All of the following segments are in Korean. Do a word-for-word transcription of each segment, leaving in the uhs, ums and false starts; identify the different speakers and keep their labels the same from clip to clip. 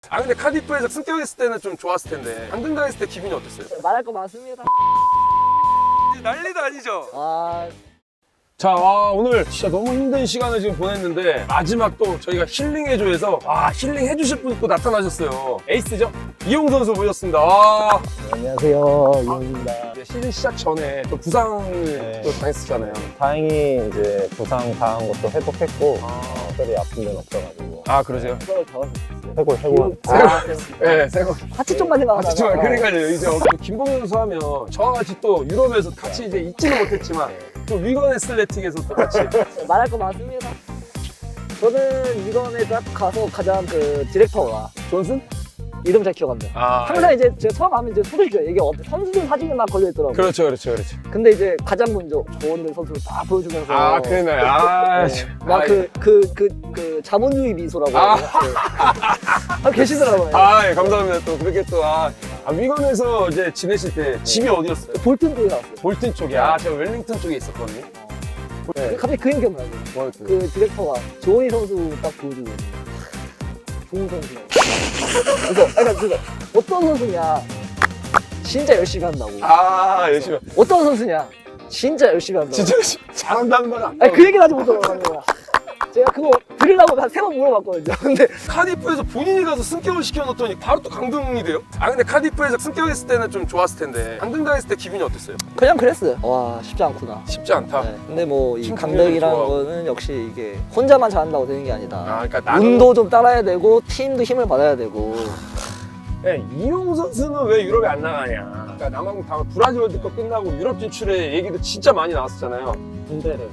Speaker 1: 아 근데 카디프에서 승격했을 때는 좀 좋았을 텐데 강등당했을 때 기분이 어땠어요?
Speaker 2: 말할 거 많습니다.
Speaker 1: 난리도 아니죠?
Speaker 2: 아,
Speaker 1: 자, 아, 오늘 진짜 너무 힘든 시간을 지금 보냈는데 마지막 또 저희가 힐링해줘에서 아 힐링 해주실 분 또 나타나셨어요. 에이스죠? 이용 선수 모셨습니다. 와.
Speaker 3: 안녕하세요, 이용입니다.
Speaker 1: 이제 시즌 시작 전에 또 부상을
Speaker 3: 네.
Speaker 1: 또 당했었잖아요.
Speaker 3: 다행히 이제 부상 당한 것도 회복했고
Speaker 1: 아,
Speaker 3: 특별히 아픈 데는 없어가지고
Speaker 1: 아 그러세요?
Speaker 2: 그걸 다 하셨어요.
Speaker 3: 해골 해골.
Speaker 2: 아,
Speaker 1: 네, 새거.
Speaker 2: 하체 쪽만 생각하다가.
Speaker 1: 같이 좀 그러니까요. 이제 김봉현 선수 하면 저와 같이 또 유럽에서 같이 이제 있지는 못했지만 또 위건 애슬레틱에서 또 같이
Speaker 2: 말할 거 많습니다. 저는 이번에 딱 가서 가장 그 디렉터가
Speaker 1: 존슨?
Speaker 2: 이름 잘 기억합니다.
Speaker 1: 아,
Speaker 2: 항상 이제 제가 처음 하면 이제 소리죠. 이게 어때 선수들 사진이 막 걸려 있더라고요.
Speaker 1: 그렇죠, 그렇죠, 그렇죠.
Speaker 2: 근데 이제 가장 먼저 조원들 선수를 딱 보여주면서
Speaker 1: 아, 그러네. 아,
Speaker 2: 네. 막 그 그 그 그 자본주의 미소라고
Speaker 1: 아.
Speaker 2: 해야 되나? 네. 아, 계시더라고요.
Speaker 1: 아, 예, 감사합니다. 또 그렇게 또 아, 아 위건에서 이제 지내실 때 집이 어디였어요?
Speaker 2: 볼튼 쪽에 나왔어요.
Speaker 1: 볼튼 쪽에. 아, 제가 웰링턴 쪽에 있었거든요. 네.
Speaker 2: 갑자기 그 얘기 기억나요.
Speaker 1: 뭐였어요?
Speaker 2: 그 디렉터가 조원희 선수 딱 보여주고 좋은 선수. 그래서 아까 그래서 어떤 선수냐 진짜 열심히 한다고.
Speaker 1: 아, 열심히.
Speaker 2: 어떤 선수냐 진짜 열심히 한다고.
Speaker 1: 진짜 열심히 잘한다는 말 안.
Speaker 2: 아니 그 얘기를 하지 못하더라고요. 제가 그거 들으려고 한 세 번 물어봤거든요. 근데
Speaker 1: 카디프에서 본인이 가서 승격을 시켜놓더니 바로 또 강등이 돼요? 아 근데 카디프에서 승격했을 때는 좀 좋았을 텐데 강등당했을 때 기분이 어땠어요?
Speaker 2: 그냥 그랬어요. 와 쉽지 않구나.
Speaker 1: 쉽지 않다.
Speaker 2: 네. 근데 뭐 이
Speaker 1: 팀
Speaker 2: 강등이라는
Speaker 1: 좋아하고.
Speaker 2: 거는 역시 이게 혼자만 잘한다고 되는 게 아니다.
Speaker 1: 아 그러니까 나는
Speaker 2: 운도 좀 따라야 되고 팀도 힘을 받아야 되고.
Speaker 1: 네, 이용 선수는 왜 유럽에 안 나가냐? 그러니까 남아공 다음 브라질 월드컵 끝나고 유럽 진출의 얘기도 진짜 많이 나왔었잖아요.
Speaker 3: 군대를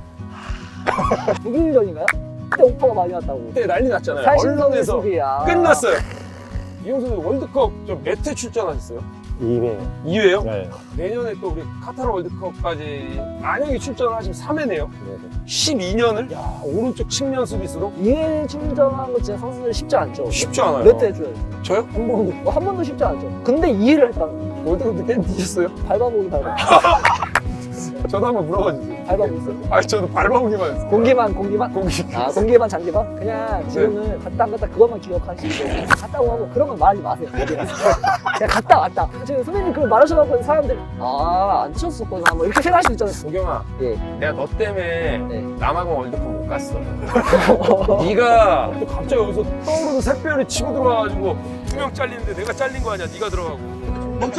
Speaker 2: 독일전인가요? 그때 오퍼가 많이 왔다고.
Speaker 1: 그때 난리 났잖아요.
Speaker 2: 살신성의
Speaker 1: 언론에서
Speaker 2: 수비야.
Speaker 1: 끝났어요. 이용 선수 월드컵 몇 회 출전하셨어요?
Speaker 3: 이 회.
Speaker 1: 이 회요?
Speaker 3: 네.
Speaker 1: 내년에 또 우리 카타르 월드컵까지 만약에 출전을 하시면 삼 회네요.
Speaker 3: 네.
Speaker 1: 십이 년을 야 오른쪽 측면 수비수로
Speaker 2: 이회 충전하는 거 진짜 선수들 쉽지 않죠.
Speaker 1: 쉽지 않아요.
Speaker 2: 몇 대 해줘요?
Speaker 1: 저요?
Speaker 2: 한 번도. 뭐 한 번도 쉽지 않죠. 근데 이해를 했다는 거.
Speaker 1: 월드컵 때 게임 뛰셨어요?
Speaker 2: 밟아보기 밟아.
Speaker 1: 저도 한번 물어봐 주세요.
Speaker 2: 밟아보기 있어요.
Speaker 1: 아 저도 밟아보기만 했어요.
Speaker 2: 공기만 공기만?
Speaker 1: 공기.
Speaker 2: 아 공기만 장기만? 그냥 지금은 갔다 안 갔다 그것만 기억하시고 갔다 오고 하고 그런 건 말하지 마세요. 어디 가서. 그냥 갔다 왔다. 지금 선배님 그걸 말하셔갖고 사람들 아안 치셨었구나 뭐 이렇게 생각할 수 있잖아요.
Speaker 1: 도경아,
Speaker 2: 예.
Speaker 1: 내가 너 때문에
Speaker 2: 네.
Speaker 1: 남아공 월드컵 못 갔어. 네가 또 갑자기 여기서 떠오르는 샛별이 치고 들어와가지고 두 명 잘리는데 내가 잘린 거 아니야? 네가 들어가고.
Speaker 2: 멈춰!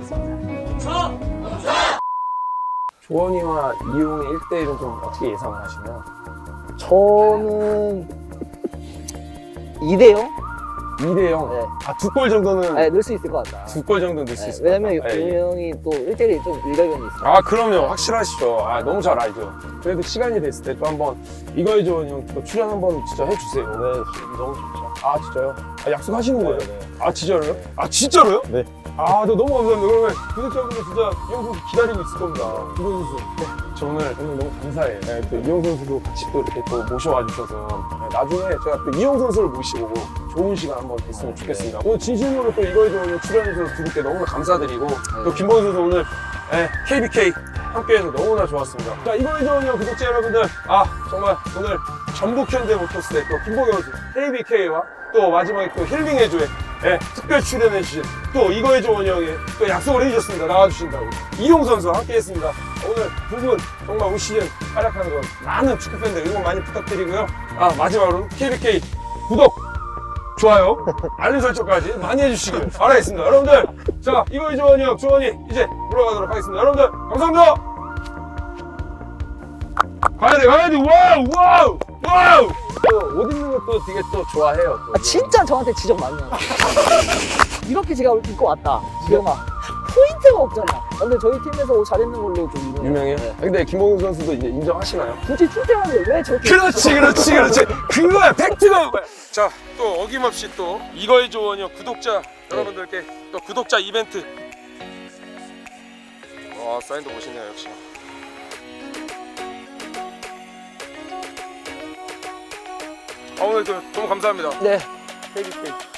Speaker 1: 조원이와 이용의 일 대 일은 좀 어떻게 예상을 하시나요?
Speaker 2: 저는 이 대 영?
Speaker 1: 이 대 영.
Speaker 2: 네.
Speaker 1: 아, 두 골 정도는
Speaker 2: 네, 넣을 수 있을 것 같다.
Speaker 1: 두 골 정도 넣을 수
Speaker 2: 네,
Speaker 1: 있을 것 같아요.
Speaker 2: 왜냐면
Speaker 1: 예, 예.
Speaker 2: 이 형이 또 일 대 일이 좀 일가견이 있어요.
Speaker 1: 아 그럼요 확실하시죠. 아 너무 잘 알죠. 그래도 시간이 됐을 때 또 한번 이거에 좋은 형또 출연 한번 진짜 해주세요.
Speaker 3: 네, 너무 좋죠.
Speaker 1: 아 진짜요? 아 약속하시는 거예요?
Speaker 3: 네, 네.
Speaker 1: 아 진짜로요? 아 진짜로요?
Speaker 3: 네.
Speaker 1: 아, 저 너무 감사합니다. 그러면 구독자분들 진짜 이용 선수 기다리고 있을 겁니다. 이용 선수. 네. 저 오늘 오늘 너무 감사해요. 네, 또 이용 선수도 같이 또 이렇게 또 모셔와 주셔서 네, 나중에 제가 또 이용 선수를 모시고 좋은 시간 한번 됐으면 좋겠습니다. 오늘 진심으로 또 이거에 좋은 출연해서 두 분께 너무나 감사드리고 또 김범수 선수 오늘 네, 케이비케이 함께해서 너무나 좋았습니다. 자, 이거에 좋은 형 구독자 여러분들, 아 정말 오늘 전북 현대 모터스의 또 김범수 선수 케이비케이와 또 마지막에 또 힐링해줘의 네, 특별 출연해주신 또 이거에 좋은 형이 또 약속을 해주셨습니다. 나와주신다고. 이용 선수와 함께 했습니다. 오늘 두 분 정말 올 시즌 활약하는 거 많은 축구팬들 응원 많이 부탁드리고요. 아, 마지막으로 케이비케이 구독, 좋아요, 알림 설정까지 많이 해주시길 바라겠습니다. 여러분들, 자, 이거에 좋은 형, 조원이 이제 물러가도록 하겠습니다. 여러분들, 감사합니다! 가야돼, 가야돼, 와우, 와우, 와우! 또 옷 입는 것도 되게 또 좋아해요. 또.
Speaker 2: 아, 진짜 저한테 지적 많이 나요. 이렇게 제가 입고 왔다. 지영아. 포인트가 없잖아. 근데 저희 팀에서 옷 잘 입는 걸로 좀 유명해요.
Speaker 1: 유명해요?
Speaker 2: 네.
Speaker 1: 아, 근데 김홍훈 선수도 이제 인정하시나요?
Speaker 2: 굳이 출퇴근을 왜 저렇게.
Speaker 1: 그렇지, 그렇지, 그렇지. 그거야, 팩트가 그거야. 자, 또 어김없이 또 이거의 조언이요 구독자 여러분들께 또 구독자 이벤트. 와, 사인도 멋있네요, 역시. 아, 오늘 그 너무 감사합니다.
Speaker 2: 네.
Speaker 1: 케이비케이.